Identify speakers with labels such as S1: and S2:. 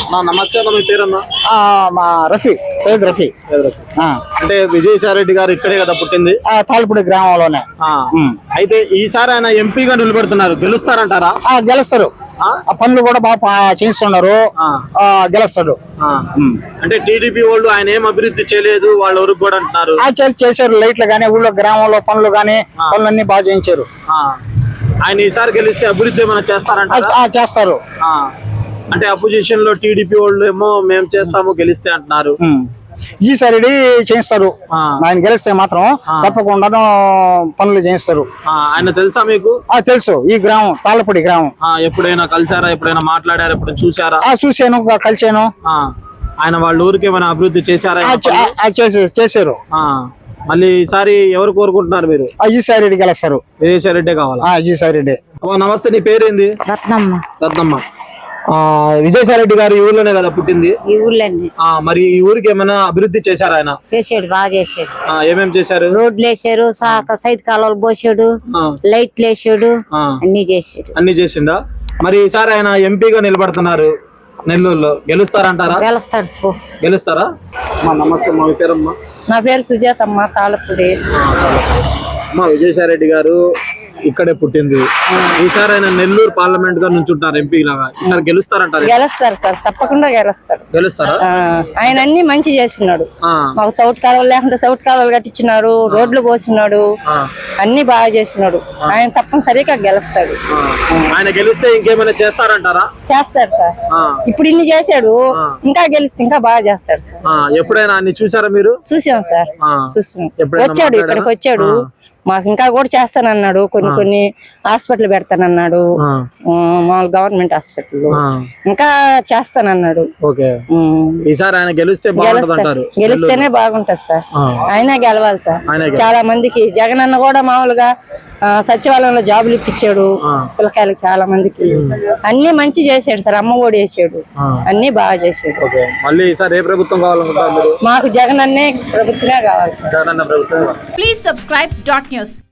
S1: నమస్తే మీ పేరన్నా?
S2: మా రఫీ సయ్యద్ రఫీ.
S1: అంటే విజయసాయి రెడ్డి గారు ఇక్కడే కదా పుట్టింది?
S2: తాళ్ళపూడి గ్రామంలోనే.
S1: అయితే ఈసారి ఆయన ఎంపీగా నిలబెడుతున్నారు, గెలుస్తారంటారా?
S2: గెలుస్తారు. ఆ పనులు కూడా బాగా చేస్తున్నారు, గెలుస్తాడు.
S1: అంటే టీడీపీ వాళ్ళు ఆయన ఏం అభివృద్ధి చేయలేదు వాళ్ళ ఊరికి కూడా అంటున్నారు.
S2: చేశారు, లైట్లు గానీ ఊళ్ళో గ్రామంలో పనులు గానీ పనులన్నీ బాగా చేయించారు.
S1: ఆయన ఈసారి గెలిస్తే అభివృద్ధి ఏమైనా చేస్తారంటారా?
S2: చేస్తారు.
S1: అంటే అపోజిషన్ లో టీడీపీ వాళ్ళు ఏమో మేము చేస్తాము గెలిస్తే అంటున్నారు.
S2: ఈసారి చేయిస్తారు. ఆయన గెలిస్తే మాత్రం తప్పకుండా పనులు చేయిస్తారు.
S1: ఆయన తెలుసా మీకు?
S2: తెలుసు. ఈ గ్రామం తాళ్ళపూడి గ్రామం.
S1: ఎప్పుడైనా కలిసారా? ఎప్పుడైనా మాట్లాడారా? ఎప్పుడైనా చూసారా?
S2: చూసాను, కలిసాను.
S1: ఆయన వాళ్ళ ఊరికి ఏమైనా అభివృద్ధి చేశారా?
S2: చేశారు.
S1: మళ్ళీ ఈసారి ఎవరు కోరుకుంటున్నారు మీరు?
S2: విజయసాయి రెడ్డి గెలుస్తారు.
S1: విజయసాయి రెడ్డి కావాలా?
S2: విజయసాయి రెడ్డి.
S1: నమస్తే, నీ పేరేంది?
S3: రత్నమ్మ.
S1: రత్నమ్మ. విజయసాయి రెడ్డి గారు ఈ ఊర్లోనే కదా పుట్టింది?
S3: ఈ ఊర్లోనే.
S1: మరి ఈ ఊరికి ఏమైనా అభివృద్ధి చేశారు ఆయన?
S3: చేసాడు, బాగా చేసాడు.
S1: ఏమేమి చేశారు?
S3: రోడ్లు వేసారు, సైడ్ కాలువలు పోసాడు, లైట్లు వేసాడు, అన్ని చేసాడు.
S1: అన్ని చేసిందా? మరి ఈసారి ఆయన ఎంపీగా నిలబడుతున్నారు నెల్లూరులో, గెలుస్తారంటారా?
S3: గెలుస్తాడు.
S1: గెలుస్తారా? నమస్తే, మా పేరమ్మా?
S3: నా పేరు సుజాతమ్మ, తాళ్ళపూడి.
S1: విజయసాయి రెడ్డి గారు ఇక్కడే పుట్టింది. ఈసారి ఆయన నెల్లూరు పార్లమెంట్ గా నుంచుంటారు ఎంపీ లాగా. ఈసారి గెలుస్తారంటారు?
S3: గెలుస్తారు సార్, తప్పకుండా గెలుస్తాడు.
S1: గెలుస్తారా?
S3: ఆయన అన్ని మంచి చేస్తున్నాడు. మాకు సౌత్ కాలువలు లేకుంటే సౌత్ కాలువలు కట్టించినాడు, రోడ్లు పోసినాడు, అన్ని బాగా చేస్తున్నాడు. ఆయన తప్పనిసరిగా గెలుస్తాడు.
S1: ఆయన గెలిస్తే ఇంకేమైనా చేస్తారంటారా?
S3: చేస్తారు సార్. ఇప్పుడు ఇన్ని చేశాడు, ఇంకా గెలిస్తే ఇంకా బాగా చేస్తాడు సార్.
S1: ఎప్పుడైనా అన్ని చూసారా మీరు?
S3: చూసాం సార్, చూసాం. వచ్చాడు, ఇక్కడికి వచ్చాడు. మాకు ఇంకా కూడా చేస్తానన్నాడు. కొన్ని హాస్పిటల్ పెడతానన్నాడు, మామూలు గవర్నమెంట్ హాస్పిటల్ ఇంకా చేస్తానన్నాడు.
S1: ఈసారి ఆయన
S3: గెలిస్తేనే బాగుంటది సార్. ఆయన గెలవాలి సార్. చాలా మందికి జగన్ అన్న కూడా మామూలుగా సచివాలయంలో జాబులు ఇప్పించాడు పిల్లకాయలకు, చాలా మందికి అన్ని మంచి చేసాడు సార్. అమ్మ ఒడి వేసాడు, అన్ని బాగా చేసాడు.
S1: మళ్ళీ ఈసారి ఏ ప్రభుత్వం కావాలనుకుంటారు?
S3: మాకు జగన్ అన్నే ప్రభుత్వమే కావాలి సార్.
S1: జగన్ అన్న ప్రభుత్వం.
S4: Please subscribe .news.